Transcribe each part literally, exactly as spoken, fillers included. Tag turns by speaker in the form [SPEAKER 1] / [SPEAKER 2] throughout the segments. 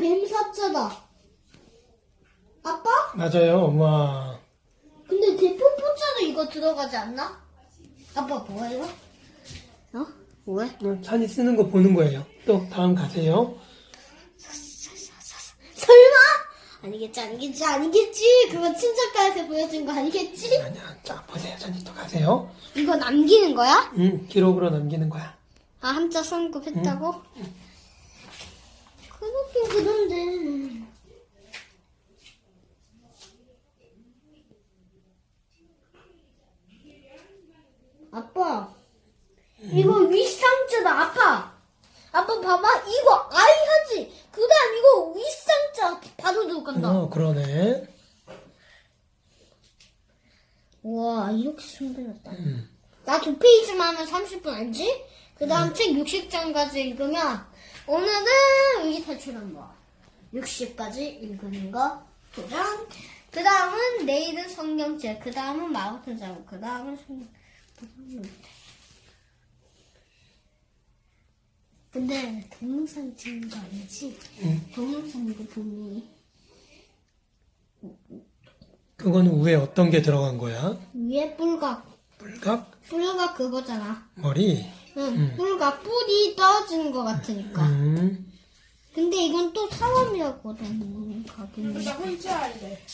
[SPEAKER 1] 뱀사자다. 아빠?
[SPEAKER 2] 맞아요, 엄마.
[SPEAKER 1] 근데 대포포자도 이거 들어가지 않나? 아빠 뭐야 이거? 어? 왜?
[SPEAKER 2] 어, 찬이 쓰는 거 보는 거예요. 또 다음 가세요.
[SPEAKER 1] 설마? 아니겠지 아니겠지 아니겠지. 그거 친척가에서 보여준 거 아니겠지?
[SPEAKER 2] 아니야, 자 보세요. 찬이 또 가세요.
[SPEAKER 1] 이거 남기는 거야?
[SPEAKER 2] 응, 기록으로 남기는 거야.
[SPEAKER 1] 아 한자 성급했다고? 그렇긴 그런데 아빠 이거 윗상자다. 아빠 아빠 봐봐 이거 아이 하지. 그 다음 이거 윗상자 바로 들어간다.
[SPEAKER 2] 어, 그러네.
[SPEAKER 1] 우와 이렇게 손들렸다.
[SPEAKER 2] 음.
[SPEAKER 1] 나 두 페이지만 하면 삼십 분 알지? 그 다음 책 육십 장까지 읽으면 오늘은 위기 탈출한 거 육십까지 읽는 거 도전. 그 다음은 내일은 성경책. 그 다음은 마법의 자국. 그 다음은 성경. 근데 동영상 찍는 거 아니지?
[SPEAKER 2] 응.
[SPEAKER 1] 동영상 이거 분명히
[SPEAKER 2] 그거는 위에 어떤 게 들어간 거야?
[SPEAKER 1] 위에 뿔각.
[SPEAKER 2] 물각?
[SPEAKER 1] 뿔각 그거잖아.
[SPEAKER 2] 머리?
[SPEAKER 1] 응,
[SPEAKER 2] 음.
[SPEAKER 1] 뿔각 뿌리 떨어지는 거 같으니까.
[SPEAKER 2] 음.
[SPEAKER 1] 근데 이건 또 사람이라거든. 가긴.
[SPEAKER 3] 나 혼자 할래.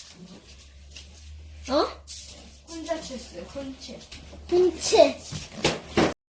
[SPEAKER 1] 어?
[SPEAKER 3] 혼자 쳤어요. 혼자.
[SPEAKER 1] 홍채.